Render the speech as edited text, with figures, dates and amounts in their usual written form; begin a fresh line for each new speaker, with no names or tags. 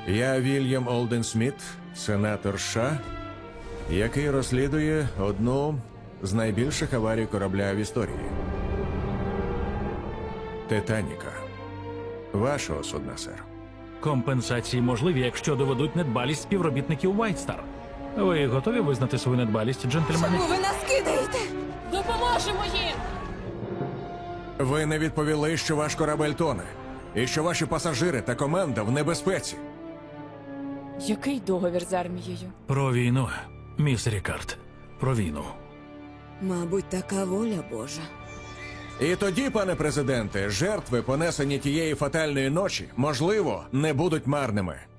Я Вільям Олден Сміт, сенатор США, який розслідує одну з найбільших аварій корабля в історії. Титаніка. Вашого судна, сер.
Компенсації можливі, якщо доведуть недбалість співробітників White Star. Ви готові визнати свою недбалість, джентльмени?
Чому ви нас кидаєте?
Допоможемо їм!
Ви не відповіли, що ваш корабель тоне, і що ваші пасажири та команда в небезпеці.
Який договір з армією?
Про війну, міс Рікард. Про війну.
Мабуть, така воля Божа.
І тоді, пане президенте, жертви, понесені тієї фатальної ночі, можливо, не будуть марними.